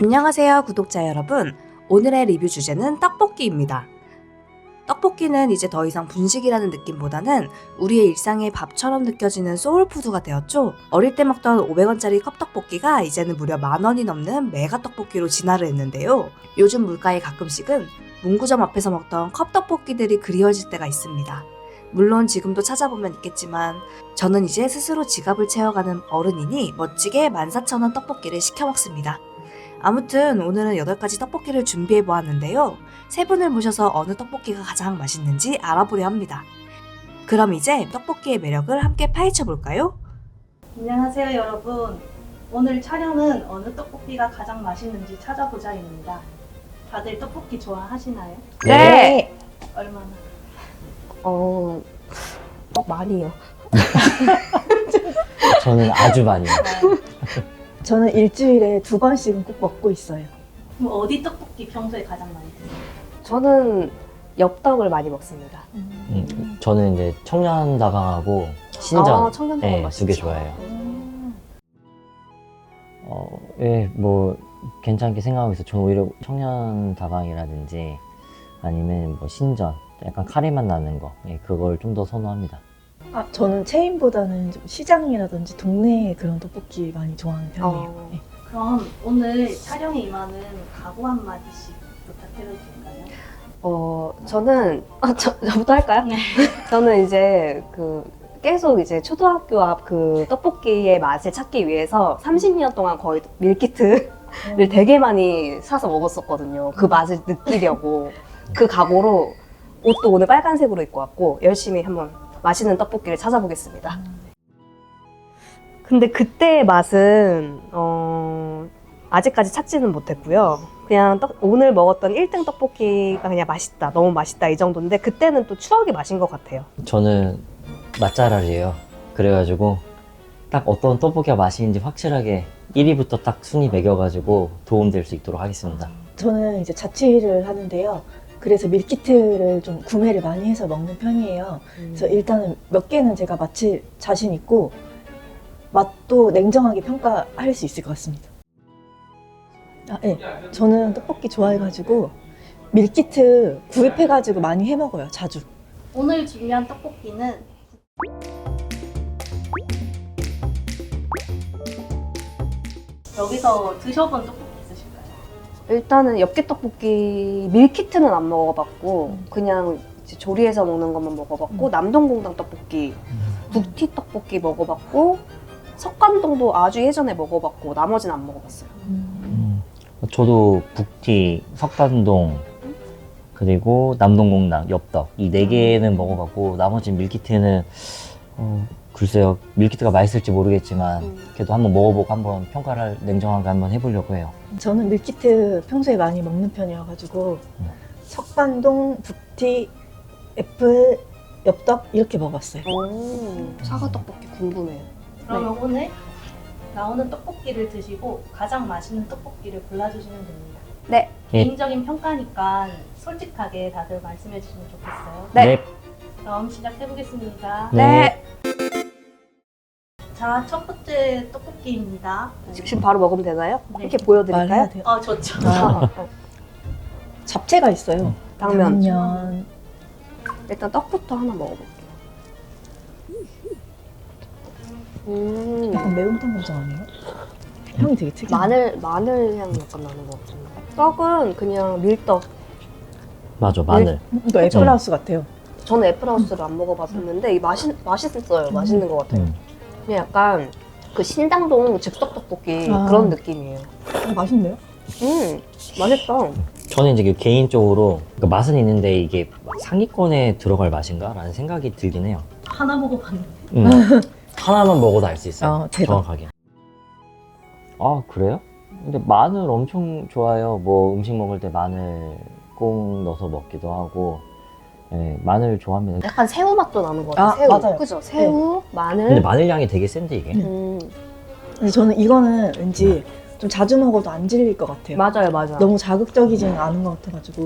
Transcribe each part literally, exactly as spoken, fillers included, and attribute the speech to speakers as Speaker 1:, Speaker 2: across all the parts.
Speaker 1: 안녕하세요 구독자 여러분, 오늘의 리뷰 주제는 떡볶이입니다. 떡볶이는 이제 더 이상 분식이라는 느낌보다는 우리의 일상의 밥처럼 느껴지는 소울푸드가 되었죠. 어릴 때 먹던 오백 원짜리 컵떡볶이가 이제는 무려 만 원이 넘는 메가 떡볶이로 진화를 했는데요. 요즘 물가에 가끔씩은 문구점 앞에서 먹던 컵떡볶이들이 그리워질 때가 있습니다. 물론 지금도 찾아보면 있겠지만 저는 이제 스스로 지갑을 채워가는 어른이니 멋지게 만 사천 원 떡볶이를 시켜 먹습니다. 아무튼 오늘은 여덟 가지 떡볶이를 준비해 보았는데요. 세 분을 모셔서 어느 떡볶이가 가장 맛있는지 알아보려 합니다. 그럼 이제 떡볶이의 매력을 함께 파헤쳐 볼까요?
Speaker 2: 안녕하세요 여러분. 오늘 촬영은 어느 떡볶이가 가장 맛있는지 찾아보자입니다. 다들 떡볶이 좋아하시나요?
Speaker 1: 네!
Speaker 2: 얼마나?
Speaker 3: 어, 어 많이요.
Speaker 4: 저는 아주 많이요.
Speaker 5: 저는 일주일에 두 번씩은 꼭 먹고 있어요.
Speaker 2: 그럼 어디 떡볶이 평소에 가장 많이 드세요?
Speaker 3: 저는 엽떡을 많이 먹습니다.
Speaker 4: 음, 저는 이제 청년다방하고 신전
Speaker 3: 아, 청년다방
Speaker 4: 네,
Speaker 3: 맛있죠.
Speaker 4: 두 개 좋아해요.
Speaker 2: 음.
Speaker 4: 어, 예, 뭐 괜찮게 생각하고 있어요. 저는 오히려 청년다방이라든지 아니면 뭐 신전, 약간 카레 맛 나는 거, 예, 그걸 좀 더 선호합니다.
Speaker 5: 아, 저는 체인보다는 좀 시장이라든지 동네 그런 떡볶이 많이 좋아하는 편이에요.
Speaker 3: 어.
Speaker 5: 네.
Speaker 2: 그럼 오늘 촬영에 임하는 각오 한마디씩 부탁해도 될까요?
Speaker 3: 어, 저는 아, 저, 저부터 할까요?
Speaker 2: 네.
Speaker 3: 저는 이제 그 계속 이제 초등학교 앞 그 떡볶이의 맛을 찾기 위해서 삼십 년 동안 거의 밀키트를 되게 많이 사서 먹었었거든요. 그 맛을 느끼려고. 그 각오로 옷도 오늘 빨간색으로 입고 왔고 열심히 한번 맛있는 떡볶이를 찾아보겠습니다. 근데 그때의 맛은 어, 아직까지 찾지는 못했고요. 그냥 떡, 오늘 먹었던 일 등 떡볶이가 그냥 맛있다, 너무 맛있다 이 정도인데 그때는 또 추억의 맛인 것 같아요.
Speaker 4: 저는 맛잘알이에요. 그래가지고 딱 어떤 떡볶이가 맛있는지 확실하게 일 위부터 딱 순위 매겨가지고 도움될 수 있도록 하겠습니다.
Speaker 5: 저는 이제 자취를 하는데요. 그래서 밀키트를 좀 구매를 많이 해서 먹는 편이에요. 그래서 일단은 몇 개는 제가 맞힐 자신 있고 맛도 냉정하게 평가할 수 있을 것 같습니다. 아, 네. 저는 떡볶이 좋아해가지고 밀키트 구입해가지고 많이 해 먹어요. 자주.
Speaker 2: 오늘 준비한 떡볶이는 여기서 드셔본 떡볶이 있으실까요?
Speaker 3: 일단은 엽기 떡볶이 밀키트는 안 먹어봤고 그냥 이제 조리해서 먹는 것만 먹어봤고
Speaker 5: 음.
Speaker 3: 남동공당 떡볶이, 북티 떡볶이 먹어봤고 석관동도 아주 예전에 먹어봤고 나머지는 안 먹어봤어요.
Speaker 4: 음, 저도 북티, 석단동, 그리고 남동공당, 엽떡 이 네 개는 먹어봤고 나머지 밀키트는 어, 글쎄요, 밀키트가 맛있을지 모르겠지만
Speaker 3: 음.
Speaker 4: 그래도 한번 먹어보고 한번 평가를 냉정하게 한번 해보려고 해요.
Speaker 5: 저는 밀키트 평소에 많이 먹는 편이어가지고
Speaker 4: 음.
Speaker 5: 석반동, 북티, 애플, 엽떡 이렇게 먹었어요.
Speaker 3: 오, 사과 떡볶이 궁금해요.
Speaker 2: 그러면 오늘 나오는 떡볶이를 드시고 가장 맛있는 떡볶이를 골라주시면 됩니다.
Speaker 3: 네.
Speaker 4: 네.
Speaker 2: 개인적인 평가니까 솔직하게 다들 말씀해 주시면 좋겠어요.
Speaker 3: 네.
Speaker 2: 그럼 시작해보겠습니다.
Speaker 4: 네.
Speaker 2: 자, 첫 번째 떡볶이입니다.
Speaker 3: 지금 바로 먹으면 되나요?
Speaker 2: 네.
Speaker 3: 이렇게 보여드릴까요?
Speaker 5: 말해야 돼요.
Speaker 2: 어, 좋죠.
Speaker 5: 아, 잡채가 있어요.
Speaker 3: 당면.
Speaker 5: 당면.
Speaker 3: 일단 떡부터 하나 먹어볼게요. 음,
Speaker 5: 약간 매운탕 감정 아니에요? 향이 되게 특이해요.
Speaker 3: 마늘 마늘 향 약간 나는 것 같은데. 떡은 그냥 밀떡.
Speaker 4: 맞아, 마늘.
Speaker 5: 이거 애플하우스 같아요.
Speaker 3: 저는 애플하우스를 안 먹어봤었는데 이 맛이 맛있었어요. 맛있는 것 같아요.
Speaker 4: 음.
Speaker 3: 그냥 약간 그 신당동 즉석 떡볶이
Speaker 5: 아.
Speaker 3: 그런 느낌이에요.
Speaker 5: 어, 맛있네요.
Speaker 3: 음, 맛있다.
Speaker 4: 저는 이제 개인적으로 그러니까 맛은 있는데 이게 상위권에 들어갈 맛인가? 라는 생각이 들긴 해요.
Speaker 2: 하나 먹어봤는데.
Speaker 4: 음. 하나만 먹어도 알 수 있어요.
Speaker 5: 아, 대박.
Speaker 4: 정확하게. 아, 그래요? 근데 마늘 엄청 좋아요. 뭐 음식 먹을 때 마늘 꼭 넣어서 먹기도 하고. 예, 마늘 좋아합니다.
Speaker 3: 약간 새우 맛도 나는 것 같아요.
Speaker 5: 아,
Speaker 3: 새우.
Speaker 5: 맞아요.
Speaker 3: 그죠? 새우, 마늘.
Speaker 4: 근데 마늘 향이 되게 센데 이게.
Speaker 3: 음,
Speaker 5: 근데 저는 이거는 왠지 좀 자주 먹어도 안 질릴 것 같아요.
Speaker 3: 맞아요, 맞아요.
Speaker 5: 너무 자극적이지는 않은 것 같아가지고.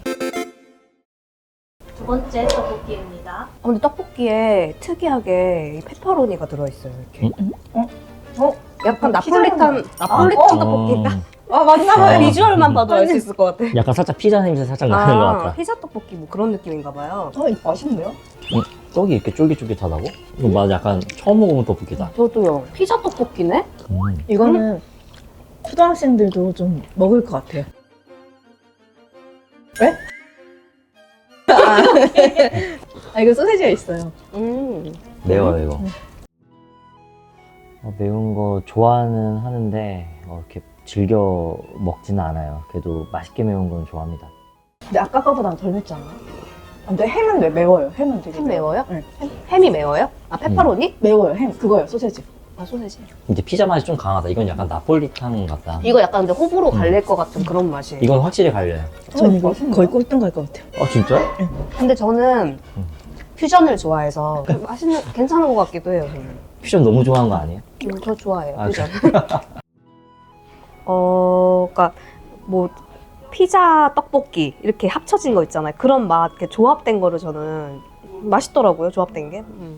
Speaker 2: 두 번째 떡볶이입니다.
Speaker 3: 어, 근데 떡볶이에 특이하게 이 페퍼로니가 들어있어요. 이렇게.
Speaker 5: 어? 어?
Speaker 3: 약간
Speaker 5: 피자랑
Speaker 3: 나폴리탄 나폴리탄
Speaker 5: 아, 어?
Speaker 3: 떡볶이인가?
Speaker 5: 아 맞나
Speaker 4: 아.
Speaker 5: 봐요.
Speaker 3: 비주얼만 봐도 알 수 있을 것 같아.
Speaker 4: 약간 살짝 피자 냄새 살짝 나는 것 같다.
Speaker 3: 피자 떡볶이 뭐 그런 느낌인가 봐요.
Speaker 5: 어, 이거 맛있는데요?
Speaker 4: 떡이 이렇게 쫄깃쫄깃하다고? 이거 맞아, 약간 처음 먹어본 떡볶이다.
Speaker 3: 저도요. 피자 떡볶이네?
Speaker 4: 음.
Speaker 5: 이거는 초등학생들도 좀 먹을 것 같아요. 왜? 아, 아 이거 소세지가 있어요.
Speaker 3: 음.
Speaker 4: 매워요, 이거.
Speaker 5: 음.
Speaker 4: 어, 매운 거 좋아는 하는데 어, 이렇게 즐겨 먹지는 않아요. 그래도 맛있게 매운 건 좋아합니다.
Speaker 5: 근데 아까 거보다 덜 맵지 않아요? 아, 근데 햄은 왜 매워요? 햄은 되게
Speaker 3: 햄 매워요?
Speaker 5: 네.
Speaker 3: 햄이 매워요? 아, 페퍼로니?
Speaker 5: 매워요. 햄 그거요. 소세지.
Speaker 3: 아, 소세지.
Speaker 4: 이제 피자 맛이 좀 강하다. 이건 약간 나폴리탄 같다.
Speaker 3: 이거 약간 근데 호불호
Speaker 4: 음.
Speaker 3: 갈릴 것 같은 그런 맛이에요.
Speaker 4: 이건 확실히 갈려요.
Speaker 5: 전 이거
Speaker 3: 맛있는데요?
Speaker 5: 거의 꼴등 갈 것 같아요.
Speaker 4: 어, 진짜?
Speaker 3: 근데 저는
Speaker 4: 음.
Speaker 3: 퓨전을 좋아해서 맛있는, 괜찮은 것 같기도 해요, 저는.
Speaker 4: 퓨전 너무 좋아하는 거 아니에요?
Speaker 3: 음, 저 좋아해요,
Speaker 4: 아,
Speaker 3: 퓨전. 어, 그니까, 뭐, 피자, 떡볶이, 이렇게 합쳐진 거 있잖아요. 그런 맛, 이렇게 조합된 거를 저는 맛있더라고요, 조합된 게. 음.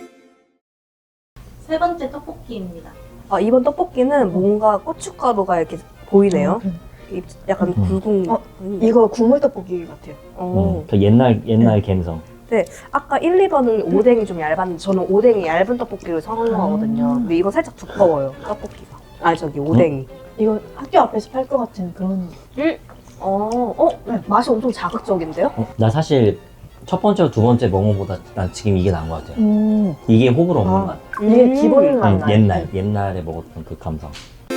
Speaker 2: 세 번째 떡볶이입니다.
Speaker 3: 아, 이번 떡볶이는 뭔가 고춧가루가 이렇게 보이네요.
Speaker 5: 음,
Speaker 3: 이- 약간
Speaker 4: 음.
Speaker 3: 굵은.
Speaker 5: 어,
Speaker 3: 음.
Speaker 5: 이거 국물 떡볶이 같아요.
Speaker 3: 어.
Speaker 4: 음, 그 옛날 옛날 감성.
Speaker 3: 아까 일, 이 번은 오뎅이 좀 얇았는데 저는 오뎅이 얇은 떡볶이를 선호하거든요.
Speaker 5: 음.
Speaker 3: 근데 이건 살짝 두꺼워요, 떡볶이가. 아, 저기 오뎅이.
Speaker 5: 이거 학교 앞에서 팔 것 같은 그런.
Speaker 3: 어, 어? 맛이 엄청 자극적인데요?
Speaker 4: 어, 나 사실 첫 번째와 두 번째 먹어보다 난 지금 이게 나은 것 같아요.
Speaker 5: 음.
Speaker 4: 이게 호불호 없는
Speaker 5: 아.
Speaker 4: 맛.
Speaker 5: 이게
Speaker 3: 음.
Speaker 5: 기본 맛
Speaker 4: 아니,
Speaker 5: 나요.
Speaker 4: 옛날 옛날에 먹었던 그 감성.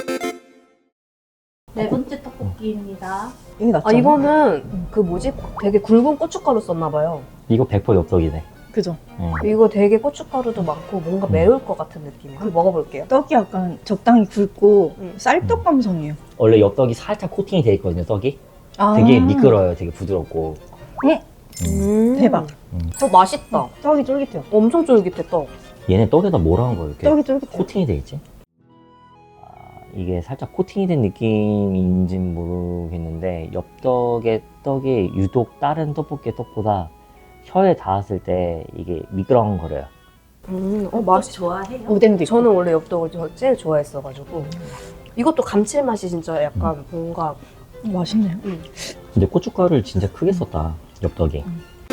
Speaker 2: 네 번째 떡볶이입니다.
Speaker 5: 이게 낫죠?
Speaker 3: 아, 이거는 그 뭐지? 되게 굵은 고춧가루 썼나봐요.
Speaker 4: 이거 백 퍼센트 엽떡이네.
Speaker 5: 그죠?
Speaker 4: 음.
Speaker 3: 이거 되게 고춧가루도 많고 뭔가
Speaker 4: 음.
Speaker 3: 매울 것 같은 느낌이에요. 한번 먹어볼게요.
Speaker 5: 떡이 약간 적당히 굵고
Speaker 3: 음.
Speaker 5: 쌀떡 감성이에요.
Speaker 4: 원래 엽떡이 살짝 코팅이 돼 있거든요. 떡이
Speaker 5: 아.
Speaker 4: 되게 미끄러요. 되게 부드럽고.
Speaker 3: 음.
Speaker 5: 대박.
Speaker 3: 어, 맛있다.
Speaker 5: 떡이 쫄깃해요.
Speaker 3: 엄청 쫄깃해, 떡.
Speaker 4: 얘네 떡에다 뭘 한 거예요? 이렇게
Speaker 5: 떡이 쫄깃해요.
Speaker 4: 코팅이 돼 있지? 아, 이게 살짝 코팅이 된 느낌인진 모르겠는데 엽떡의 떡이 유독 다른 떡볶이의 떡보다 혀에 닿았을 때 이게 미끄렁거려요.
Speaker 3: 음, 어,
Speaker 2: 맛이
Speaker 3: 맛이
Speaker 2: 좋아해요?
Speaker 5: 오뎅도 있고.
Speaker 3: 저는 원래 엽떡을 저- 제일 좋아했어가지고. 이것도 감칠맛이 진짜 약간 뭔가.
Speaker 5: 맛있네요.
Speaker 4: 근데 고춧가루를 진짜 크게 썼다. 엽떡이.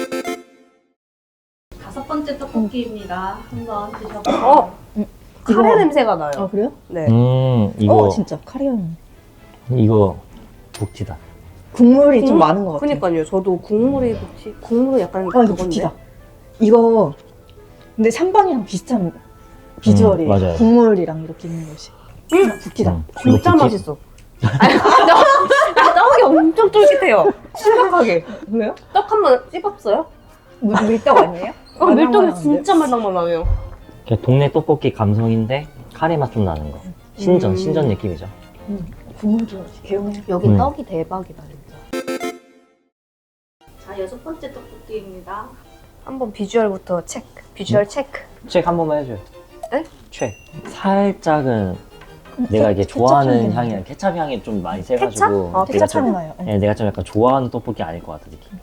Speaker 2: 다섯 번째 떡볶이입니다. 한번 드셔보세요.
Speaker 3: 어? 카레
Speaker 5: 이거-
Speaker 3: 냄새가 나요.
Speaker 5: 아 그래요?
Speaker 3: 네.
Speaker 4: 음 이거
Speaker 5: 어 진짜 카레향.
Speaker 4: 이거 북티다.
Speaker 5: 국물이 좀
Speaker 3: 국물-
Speaker 5: 많은 것 같아요.
Speaker 3: 그니까요. 저도 국물이 혹시 국물이 약간
Speaker 5: 아 이거
Speaker 3: 그건데.
Speaker 5: 북티다. 이거 근데 삼 번이랑 비슷한 비주얼이
Speaker 4: 음, 맞아요.
Speaker 5: 국물이랑 이렇게 있는 것이.
Speaker 3: 음,
Speaker 5: 북티다.
Speaker 4: 음, 이거
Speaker 3: 진짜
Speaker 4: 북티-
Speaker 3: 맛있어. 아니, 떡- 떡이 엄청 쫄깃해요. 심각하게.
Speaker 5: 왜요?
Speaker 3: 떡 한 번 씹었어요?
Speaker 5: 물, 밀떡 아니에요?
Speaker 3: 어, 밀떡이
Speaker 5: 말랑말랑한데?
Speaker 3: 진짜 말랑말랑해요.
Speaker 4: 그냥 동네 떡볶이 감성인데 카레 맛 좀 나는 거. 신전
Speaker 3: 음.
Speaker 4: 신전 느낌이죠.
Speaker 5: 음, 국물도 개운해요.
Speaker 3: 여기
Speaker 4: 음.
Speaker 3: 떡이 대박이다, 진짜.
Speaker 2: 자, 여섯 번째 떡볶이입니다.
Speaker 3: 한번 비주얼부터 체크. 비주얼 체크.
Speaker 4: 책 한 번만 해줘요.
Speaker 3: 네?
Speaker 4: 책. 살짝은
Speaker 5: 음,
Speaker 4: 내가 이게
Speaker 5: 케-
Speaker 4: 좋아하는
Speaker 5: 케첩 향이
Speaker 4: 향이랑 케찹 향이 좀 많이
Speaker 3: 케찹?
Speaker 4: 세가지고
Speaker 3: 어,
Speaker 4: 내가
Speaker 5: 케찹
Speaker 4: 좀,
Speaker 5: 향이 나요. 네.
Speaker 4: 네, 내가 좀 약간 좋아하는 떡볶이 아닐 것 같은 느낌.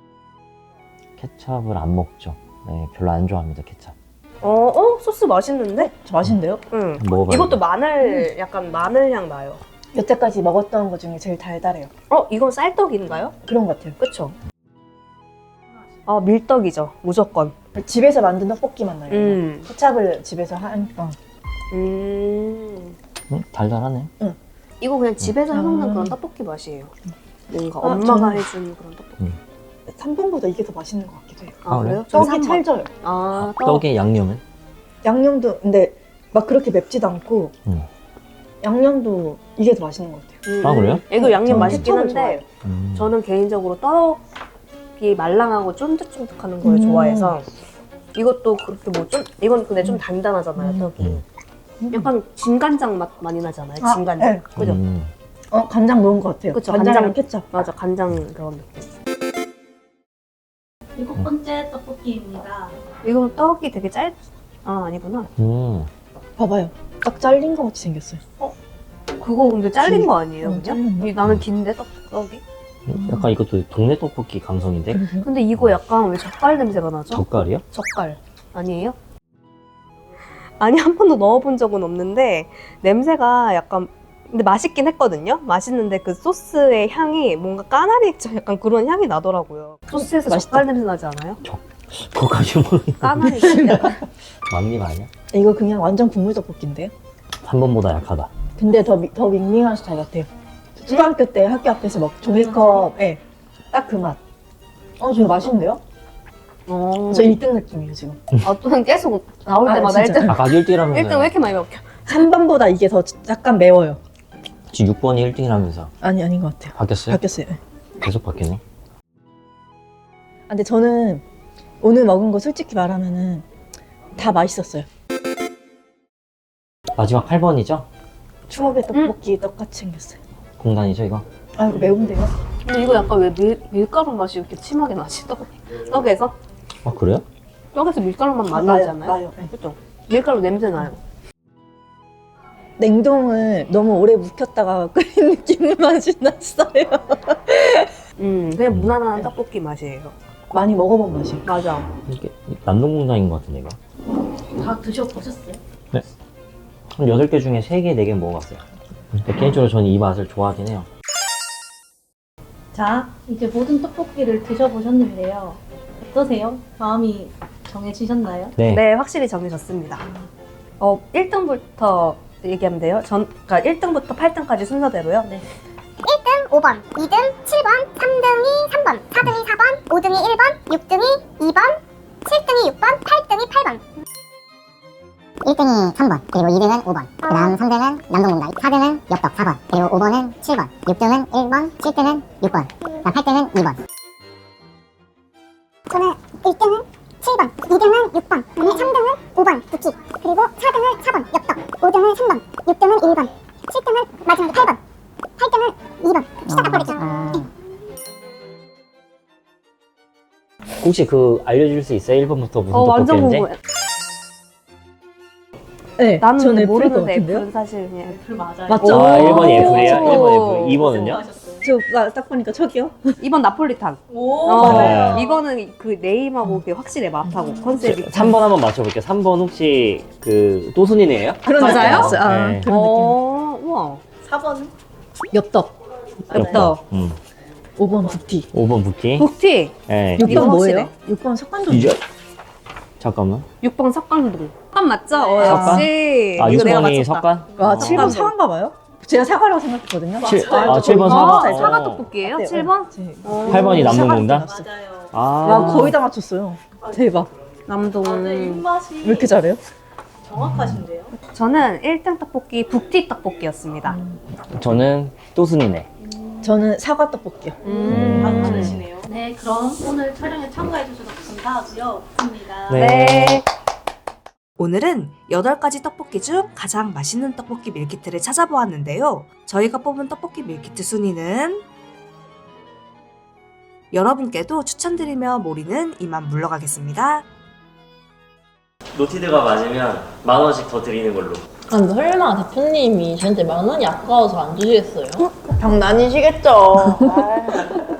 Speaker 4: 케찹을 안 먹죠. 네, 별로 안 좋아합니다 케찹.
Speaker 3: 어, 어? 소스 맛있는데?
Speaker 5: 저 맛있는데요?
Speaker 3: 응.
Speaker 4: 먹어봐요.
Speaker 3: 이것도 마늘, 약간 마늘 향 나요.
Speaker 5: 여태까지 먹었던 것 중에 제일 달달해요.
Speaker 3: 어, 이건 쌀떡인가요?
Speaker 5: 그런 것 같아요.
Speaker 3: 그쵸? 아, 밀떡이죠. 무조건.
Speaker 5: 집에서 만든 떡볶이 맛 나요.
Speaker 3: 음.
Speaker 5: 케찹을 집에서 하니까.
Speaker 3: 음.
Speaker 4: 음, 달달하네.
Speaker 3: 이거 그냥 집에서 해먹는
Speaker 5: 음.
Speaker 3: 그런 떡볶이 맛이에요. 뭔가
Speaker 5: 아,
Speaker 3: 엄마가
Speaker 5: 저는-
Speaker 3: 해준 그런 떡볶이.
Speaker 5: 삼 번보다 이게 더 맛있는 것 같기도 해요.
Speaker 3: 아,
Speaker 4: 아,
Speaker 3: 그래요?
Speaker 5: 떡이
Speaker 3: 저는 삼 번.
Speaker 5: 찰져요.
Speaker 3: 아, 떡.
Speaker 4: 떡의 양념은?
Speaker 5: 양념도 근데 막 그렇게 맵지도 않고
Speaker 4: 음.
Speaker 5: 양념도 이게 더 맛있는 것 같아요.
Speaker 3: 음.
Speaker 4: 아, 그래요?
Speaker 3: 이거 양념
Speaker 5: 저는
Speaker 3: 맛있긴
Speaker 5: 케첩을
Speaker 3: 한데
Speaker 5: 좋아해요.
Speaker 4: 음.
Speaker 3: 저는 개인적으로 떡이 말랑하고 쫀득쫀득하는 걸
Speaker 5: 음.
Speaker 3: 좋아해서 이것도 그렇게 뭐 좀 이건 근데 좀
Speaker 5: 음.
Speaker 3: 단단하잖아요,
Speaker 5: 음.
Speaker 3: 떡이.
Speaker 4: 음.
Speaker 3: 약간 진간장 맛 많이 나잖아요.
Speaker 5: 아,
Speaker 3: 진간장.
Speaker 5: 네.
Speaker 3: 그죠?
Speaker 4: 음.
Speaker 5: 어 간장 넣은 것 같아요.
Speaker 3: 그쵸,
Speaker 5: 간장이랑
Speaker 3: 간장.
Speaker 5: 케찹.
Speaker 3: 맞아, 간장 그런 느낌.
Speaker 2: 일곱 번째 떡볶이입니다.
Speaker 3: 이거 떡이 되게 짧. 아, 아니구나.
Speaker 4: 음.
Speaker 5: 봐봐요. 딱 잘린 것 같이 생겼어요.
Speaker 3: 그거 근데 잘린 거 아니에요,
Speaker 5: 응,
Speaker 3: 그냥?
Speaker 5: 잘렸나?
Speaker 3: 이- 나는 긴데 떡 떡이.
Speaker 4: 약간 이것도 동네 떡볶이 감성인데?
Speaker 5: 그러게요.
Speaker 3: 근데 이거 약간 왜 젓갈 냄새가 나죠?
Speaker 4: 젓갈이요?
Speaker 3: 젓갈 아니에요? 아니 한 번도 넣어본 적은 없는데 냄새가 약간 근데 맛있긴 했거든요. 맛있는데 그 소스의 향이 뭔가 까나리 액젓 약간 그런 향이 나더라고요. 소스에서
Speaker 5: 맛있다.
Speaker 3: 젓갈 냄새 나지 않아요?
Speaker 4: 그거까지 모르겠는데.
Speaker 3: 까나리 액젓 약간.
Speaker 4: 막립 아니야?
Speaker 5: 이거 그냥 완전 국물 떡볶이인데요?
Speaker 4: 삼 번보다 약하다.
Speaker 5: 근데 더, 미- 더 밍밍한 스타일 같아요. 초등학교 때 학교 앞에서 먹 종이컵에 딱 그 맛. 어, 저거 맛있는데요?
Speaker 3: 어.
Speaker 5: 저 일 등 느낌이에요, 지금.
Speaker 3: 아, 또는 계속 나올
Speaker 5: 아,
Speaker 3: 때마다
Speaker 5: 진짜.
Speaker 3: 일 등.
Speaker 4: 아까 일 등이라면서.
Speaker 3: 일 등 왜 이렇게 많이 먹혀?
Speaker 5: 삼 번보다 이게 더 약간 매워요.
Speaker 4: 지금 육 번이 일 등이라면서.
Speaker 5: 아니, 아닌 것 같아요.
Speaker 4: 바뀌었어요?
Speaker 5: 바뀌었어요. 네.
Speaker 4: 계속 바뀌네.
Speaker 5: 아, 근데 저는 오늘 먹은 거 솔직히 말하면은 다 맛있었어요.
Speaker 4: 마지막 팔 번이죠?
Speaker 5: 추억의 떡볶이 떡같이 생겼어요.
Speaker 4: 공단이죠, 이거?
Speaker 5: 아, 이거 매운데요?
Speaker 3: 근데 이거 약간 왜 밀, 밀가루 맛이 이렇게 심하게 나지? 떡, 떡에서?
Speaker 4: 아, 그래요?
Speaker 3: 떡에서 밀가루 맛 많이
Speaker 5: 나요,
Speaker 3: 나지 않아요?
Speaker 5: 나요. 네.
Speaker 3: 그죠? 밀가루 냄새 나요.
Speaker 5: 냉동을 너무 오래 묵혔다가 끓인 느낌 맛이 났어요.
Speaker 3: 음, 그냥 무난한 떡볶이 맛이에요.
Speaker 5: 많이 먹어본 맛이에요.
Speaker 3: 맞아.
Speaker 4: 이게 남동공단인 것 같은데, 이거?
Speaker 2: 다 드셔보셨어요?
Speaker 4: 한 여덟 개 중에 세 개, 네 개 먹어봤어요. 근데 개인적으로 저는 이 맛을 좋아하긴 해요.
Speaker 2: 자, 이제 모든 떡볶이를 드셔보셨는데요. 어떠세요? 마음이 정해지셨나요?
Speaker 4: 네.
Speaker 3: 네, 확실히 정해졌습니다. 어, 일 등부터 얘기하면 돼요. 전, 그러니까 일 등부터 팔 등까지 순서대로요.
Speaker 2: 네.
Speaker 6: 오 번, 이 등 칠 번, 삼 등이 삼 번, 사 등이 사 번, 오 등이 일 번, 육 등이 이 번, 칠 등이 육 번, 팔 등이 팔 번. 일 등이 삼 번, 그리고 이 등은 오 번, 그 다음 삼 등은 남동공단, 사 등은 엽떡 사 번, 그리고 오 번은 칠 번, 육 등은 일 번, 칠 등은 육 번, 그다음 팔 등은 이 번. 저는 일 등은 칠 번, 이 등은 육 번, 그다음에 삼 등은 오 번, 부키, 그리고 사 등은 사 번, 엽떡, 오 등은 삼 번, 육 등은 일 번, 칠 등은 마지막에 팔 번, 팔 등은 이 번, 피자 닭발이죠.
Speaker 4: 혹시 그 알려줄 수 있어요? 일 번부터 무슨
Speaker 3: 어, 완전
Speaker 4: 떡볶이인지?
Speaker 3: 궁금해.
Speaker 5: 네,
Speaker 3: 나는
Speaker 5: 저는
Speaker 3: 근데
Speaker 5: F일 것
Speaker 3: 모르는데
Speaker 5: 같은데요?
Speaker 3: F는 사실 그냥
Speaker 2: 애플 맞아요.
Speaker 5: 맞죠?
Speaker 4: 아, 일 번이 F래요?
Speaker 3: 오.
Speaker 4: 일 번 F. 이 번은요?
Speaker 2: 하셨어요.
Speaker 5: 저딱 보니까 저기요.
Speaker 3: 이 번 나폴리탄.
Speaker 2: 오,
Speaker 3: 어,
Speaker 4: 맞아요.
Speaker 3: 이거는 그 네임하고 그 확실히 맛하고 컨셉이.
Speaker 4: 삼 번 한번 맞춰볼게요. 삼 번 혹시 그 또순이네요?
Speaker 5: 그런
Speaker 3: 맞아요?
Speaker 5: 느낌이었어요. 아,
Speaker 4: 네.
Speaker 5: 그런
Speaker 3: 어, 우와.
Speaker 2: 사 번은?
Speaker 5: 느낌. 엽떡.
Speaker 3: 엽떡.
Speaker 4: 음.
Speaker 5: 오 번 부티.
Speaker 4: 오 번 부키.
Speaker 3: 북티.
Speaker 4: 네.
Speaker 5: 육 번
Speaker 3: 이거
Speaker 5: 뭐예요?
Speaker 3: 확실해.
Speaker 5: 육 번 석관동.
Speaker 4: 이제 잠깐만.
Speaker 3: 육 번 석관동. 석관 맞죠? 어,
Speaker 4: 석관?
Speaker 3: 역시.
Speaker 4: 아,
Speaker 3: 이거 내가
Speaker 4: 육 번이
Speaker 3: 맞췄다.
Speaker 4: 석관?
Speaker 5: 와,
Speaker 4: 어.
Speaker 5: 칠 번 사과인가 봐요? 제가 사과라고 생각했거든요.
Speaker 4: 칠-
Speaker 2: 맞아요.
Speaker 4: 아, 칠 번
Speaker 5: 아,
Speaker 4: 사과.
Speaker 5: 네,
Speaker 3: 사과
Speaker 4: 어.
Speaker 3: 떡볶이에요?
Speaker 5: 네,
Speaker 3: 칠 번?
Speaker 5: 네.
Speaker 3: 어.
Speaker 4: 팔 번이 남동공단?
Speaker 2: 맞아요.
Speaker 4: 아.
Speaker 5: 와, 거의 다 맞췄어요. 대박.
Speaker 3: 남동.
Speaker 2: 맞아요. 입맛이
Speaker 5: 왜 이렇게 잘해요?
Speaker 2: 정확하신데요?
Speaker 3: 저는 일 등 떡볶이 북티 떡볶이였습니다.
Speaker 4: 저는 또순이네.
Speaker 5: 저는 사과 떡볶이요.
Speaker 3: 음.
Speaker 2: 안 많으시네요. 네, 그럼 오늘 촬영에 참가해주셔서 감사하고요. 좋습니다.
Speaker 4: 네.
Speaker 3: 네.
Speaker 1: 오늘은 여덟 가지 떡볶이 중 가장 맛있는 떡볶이 밀키트를 찾아보았는데요. 저희가 뽑은 떡볶이 밀키트 순위는 여러분께도 추천드리며 모리는 이만 물러가겠습니다.
Speaker 4: 노티드가 맞으면 만 원씩 더 드리는 걸로.
Speaker 7: 아, 근데 설마 대표님이 저한테 만 원이 아까워서 안 주시겠어요?
Speaker 5: 장난이시겠죠.